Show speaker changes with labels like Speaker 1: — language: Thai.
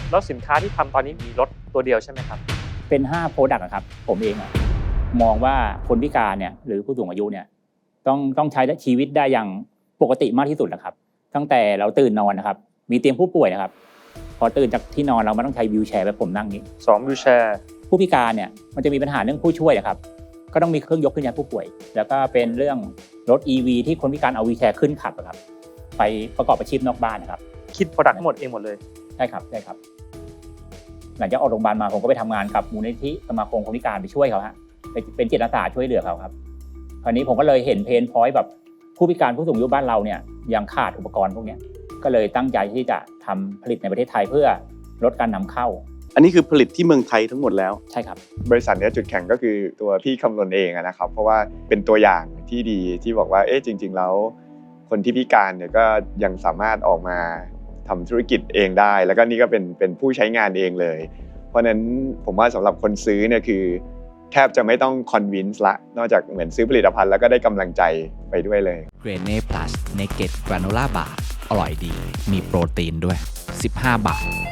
Speaker 1: แล้วสินค้าที่ทำตอนนี้มีรถตัวเดียวใช่ไหมครับ
Speaker 2: เป็น5 Product ครับผมเองมองว่าคนพิการเนี่ยหรือผู้สูงอายุเนี่ยต้องใช้ชีวิตได้อย่างปกติมากที่สุดนะครับตั้งแต่เราตื่นนอนนะครับมีเตียงผู้ป่วยนะครับพอตื่นจากที่นอนเราไม่ต้องใช้วีลแชร์แบบผมนั่งนี้
Speaker 1: 2วีลแชร์
Speaker 2: ผู้พิการเนี่ยมันจะมีปัญหาเรื่องผู้ช่วยนะครับก็ต้องมีเครื่องยกขึ้นย้ายผู้ป่วยแล้วก็เป็นเรื่องรถ EV ที่คนพิการเอาวีลแชร์ขึ้นขับครับไปประกอบอาชีพนอกบ้านนะครับ
Speaker 1: คิด Product ทั้งหมดเองหมดเลย
Speaker 2: ใช่ครับหลังจากออกโรงพยาบาลมาผมก็ไปทำงานกับมูลนิธิสมาคมคนพิการไปช่วยเขาฮะเป็นจิตอาสาช่วยเหลือเขาครับคราวนี้ผมก็เลยเห็นเพนพอยต์แบบผู้พิการผู้สูงอายุบ้านเราเนี่ยยังขาดอุปกรณ์พวกนี้ก็เลยตั้งใจที่จะทำผลิตในประเทศไทยเพื่อลดการนำเข้า
Speaker 3: อันนี้คือผลิตที่เมืองไทยทั้งหมดแล้ว
Speaker 2: ใช่ครับ
Speaker 4: บริษัทนี้จุดแข็งก็คือตัวพี่คำนวณเองนะครับเพราะว่าเป็นตัวอย่างที่ดีที่บอกว่าจริงๆแล้วคนที่พิการเนี่ยก็ยังสามารถออกมาทำธุรกิจเองได้แล้วก็นี่ก็เป็นผู้ใช้งานเองเลยเพราะนั้นผมว่าสำหรับคนซื้อเนี่ยคือแทบจะไม่ต้องคอนวินส์ละนอกจากเหมือนซื้อผลิตภัณฑ์แล้วก็ได้กำลังใจไปด้วยเลย
Speaker 5: เกรเน่พลัสเนเกตกราโนล่าบาร์อร่อยดีมีโปรตีนด้วย15 บาท